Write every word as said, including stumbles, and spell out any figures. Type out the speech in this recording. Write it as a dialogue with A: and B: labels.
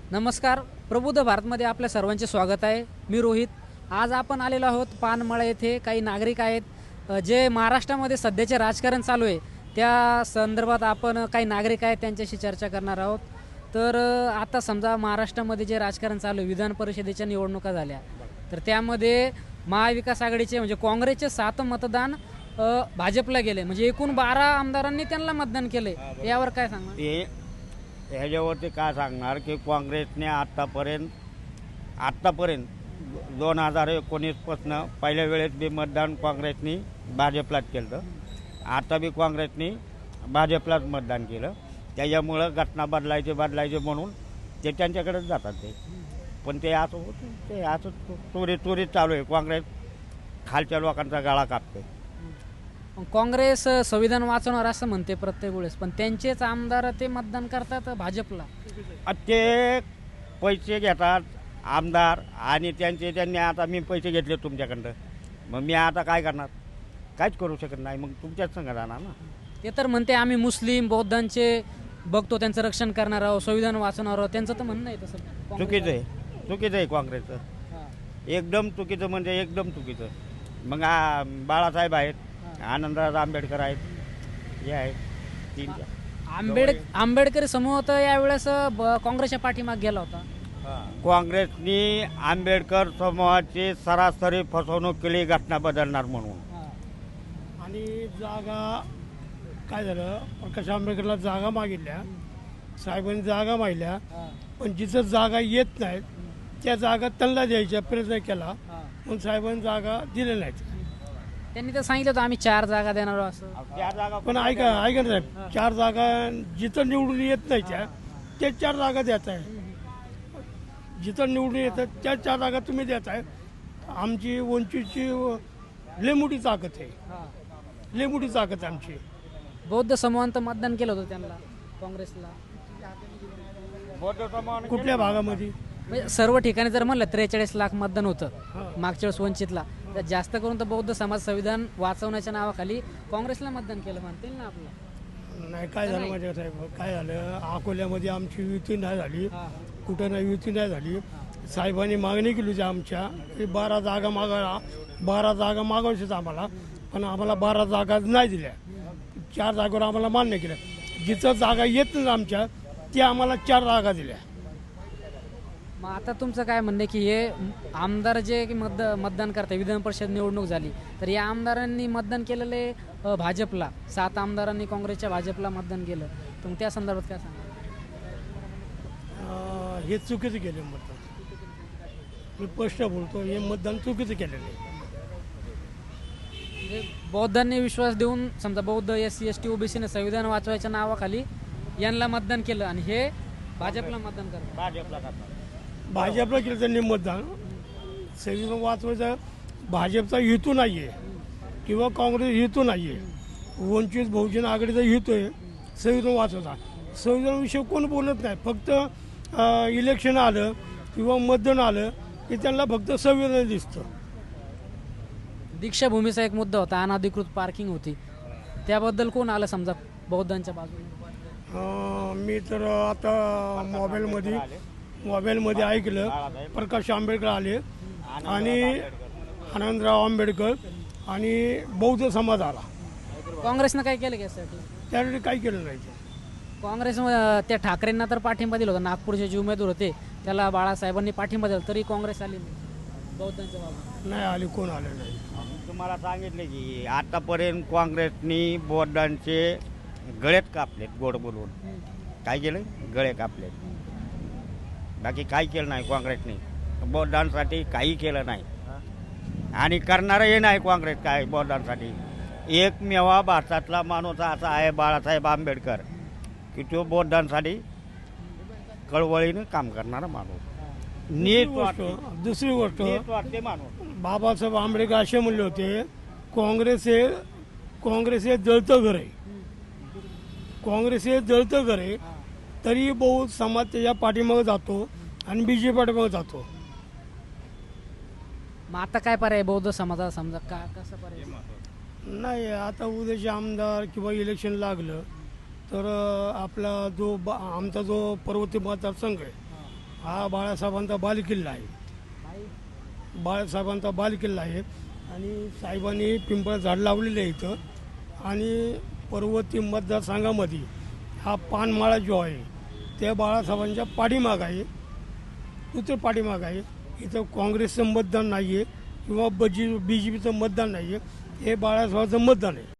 A: नमस्कार. प्रबुद्ध भारतमध्ये आपल्या सर्वांचे स्वागत आहे. मी रोहित. आज आपण आलेलो आहोत पानमळा येथे. काही नागरिक आहेत अ, जे महाराष्ट्रामध्ये सध्याचे राजकारण चालू आहे त्या संदर्भात आपण काही नागरिक आहेत त्यांच्याशी चर्चा करणार आहोत. तर अ, आता समजा महाराष्ट्रामध्ये जे राजकारण चालू आहे, विधान परिषदेच्या निवडणुका झाल्या, तर त्यामध्ये महाविकास आघाडीचे म्हणजे काँग्रेसचे सात मतदान अ, भाजपला गेले, म्हणजे एकूण बारा आमदारांनी त्यांना मतदान केले. यावर काय सांगणार?
B: ते ह्याच्यावरती काय सांगणार की काँग्रेसने आत्तापर्यंत आत्तापर्यंत दोन हजार एकोणीसपासनं पहिल्या वेळेस बी मतदान काँग्रेसनी भाजपलाच केलं. आता बी काँग्रेसनी भाजपलाच मतदान केलं. त्याच्यामुळं घटना बदलायचे बदलायचे म्हणून ते त्यांच्याकडेच जातात. ते पण ते असं होतं, ते असं चोरी चोरी चालू आहे. काँग्रेस खालच्या लोकांचा गळा कापते.
A: मग काँग्रेस अ, संविधान वाचवणार असं म्हणते प्रत्येक वेळेस, पण त्यांचेच आमदार ते मतदान करतात भाजपला.
B: आता ते पैसे घेतात आमदार, आणि त्यांचे त्यांनी आता मी पैसे घेतले तुमच्याकडं, मग मी आता काय करणार? काहीच करू शकत नाही. मग तुमच्याच संग राहणार ना.
A: ते तर म्हणते आम्ही मुस्लिम बौद्धांचे बघतो, त्यांचं रक्षण करणार आहोत, संविधान वाचवणार आहोत. त्यांचं तर म्हणणं आहे तसं.
B: चुकीचं आहे, चुकीचं आहे काँग्रेसचं.
A: हां.
B: एकदम चुकीचं, म्हणजे एकदम चुकीचं. मग आ, बाळासाहेब आहेत, आनंदराज आंबेडकर आहेत, हे आहेत तीन.
A: आंबेड आंबेडकरी समूह तर यावेळेस अ, ब- काँग्रेसच्या पाठीमागे गेला होता.
B: काँग्रेसनी आंबेडकर समूहाची सरासरी फसवणूक केली घटना बदलणार म्हणून.
C: आणि जागा काय झालं, प्रकाश आंबेडकरला जागा मागितल्या, साहेबांनी जागा मागल्या, पण जिथं जागा येत नाहीत त्या जागा त्यांना द्यायचा प्रयत्न केला, पण साहेबांनी जागा दिल्या नाहीत.
A: त्यांनी तर सांगितलं होतं आम्ही चार जागा देणार आहोत असं.
B: त्या जागा
C: पण ऐका ऐका ना साहेब, चार जागा जिथं निवडून येत नाही त्या ते चार जागा देत आहे. जिथं निवडून येतात त्या चार जागा तुम्ही देत आहे. आमची वंचितची लय मोठी ताकद आहे, लय मोठी ताकद आहे आमची.
A: बौद्ध समूहानं तर मतदान केलं होतं त्यांना, काँग्रेसला.
B: बौद्ध समाज
C: कुठल्या भागामध्ये?
A: म्हणजे सर्व ठिकाणी जर म्हणलं त्रेचाळीस लाख मतदान होतं मागच्या वेळेस वंचितला, तर जास्त करून तर बौद्ध समाज संविधान वाचवण्याच्या नावाखाली काँग्रेसला मतदान केलं म्हणतील ना आपलं.
C: नाही, काय झालं माझ्या साहेब, काय झालं, अकोल्यामध्ये आमची युती नाही झाली, कुठं नाही युती नाही झाली. साहेबांनी मागणी केली होती आमच्या की बारा जागा मागायला, बारा जागा मागायच्याच आम्हाला, पण आम्हाला बारा जागा नाही दिल्या. चार जागेवर आम्हाला मान्य केलं. जिथं जागा येत नाही आमच्या त्या आम्हाला चार जागा दिल्या.
A: मग आता तुमचं काय म्हणणं आहे की हे आमदार जे की मत मतदान करतात, विधान परिषद निवडणूक झाली तर या आमदारांनी मतदान केलेले अ, भाजपला, सात आमदारांनी काँग्रेसच्या भाजपला मतदान केलं, तर मग त्या संदर्भात काय सांगा?
C: अं, हे चुकीचं केलं मतदान. मी स्पष्ट बोलतो, हे मतदान चुकीचं केलेलं आहे.
A: म्हणजे बौद्धांनी विश्वास देऊन समजा बौद्ध एस सी एस टी ओबीसीने संविधान वाचवायच्या नावाखाली यांना मतदान केलं आणि हे भाजपला मतदान करतात.
B: भाजपला करतात.
C: भाजपला केलं त्यांनी मतदान. संविधान वाचवायचा भाजपचा हेतू नाही आहे किंवा काँग्रेस हेतू नाही आहे. वंचित बहुजन आघाडीचा हेतू आहे संविधान वाचवायचा. संविधानाविषयी कोण बोलत नाही. फक्त अं, इलेक्शन आलं किंवा मतदान आलं की त्यांना फक्त संविधान दिसतं.
A: दीक्षाभूमीचा एक मुद्दा होता, अनधिकृत पार्किंग होती, त्याबद्दल कोण आलं समजा बौद्धांच्या बाजूने?
C: अं, मी तर आता मोबाईलमध्ये मोबाईलमध्ये ऐकलं, प्रकाश आंबेडकर आले आणि आनंदराव आंबेडकर आणि बौद्ध समाज आला.
A: काँग्रेसनं काय केलं यासाठी?
C: त्यासाठी काही केलं नाही.
A: काँग्रेस अं, त्या ठाकरेंना तर पाठिंबा दिला होता, नागपूरचे जे उमेदवार होते त्याला बाळासाहेबांनी पाठिंबा दिला, तरी काँग्रेस आली नाही बौद्धांच्या बाजूने.
C: नाही आले, कोण आले नाही.
B: तुम्हाला सांगितले की आतापर्यंत काँग्रेसनी बौद्धांचे गळेच कापलेत. गोड बोलून काय केलं? गळे कापलेत. बाकी काही केलं नाही काँग्रेसने. बौद्धांसाठी काही केलं नाही आणि करणारही नाही काँग्रेस काय बौद्धांसाठी. एकमेवा भारतातला माणूस असा आहे बाळासाहेब आंबेडकर की तो बौद्धांसाठी कळवळीनं काम करणारा माणूस. नीट
C: गोष्ट
B: वाटते,
C: दुसरी गोष्ट,
B: नीट वाटते माणूस.
C: बाबासाहेब आंबेडकर असे म्हणले होते, काँग्रेस हे काँग्रेस हे जळतं घर आहे. काँग्रेस हे जळतं घर आहे, तरी बौद्ध समाज त्याच्या पाठीमागे जातो आणि बीजेपी पाठीमागे जातो.
A: मग आता काय पर्याय बौद्ध समाजाला समजा का कसं पर्याय?
C: नाही, आता उद्याचे आमदार किंवा इलेक्शन लागलं तर अ, आपला जो ब- आमचा जो पर्वती मतदारसंघ आहे, हा बाळासाहेबांचा बालेकिल्ला आहे. बाळासाहेबांचा बालेकिल्ला आहे आणि साहेबांनी पिंपळ झाड लावलेलं आहे इथं. आणि पर्वती मतदारसंघामध्ये हा पानमाळा जो आहे त्या बाळासाहेबांच्या पाठीमाग आहे, तुझं पाठीमाग आहे. इथं काँग्रेसचं मतदान नाही आहे किंवा बजी बी जे पीचं मतदान नाही आहे, हे बाळासाहेबांचं मतदान आहे.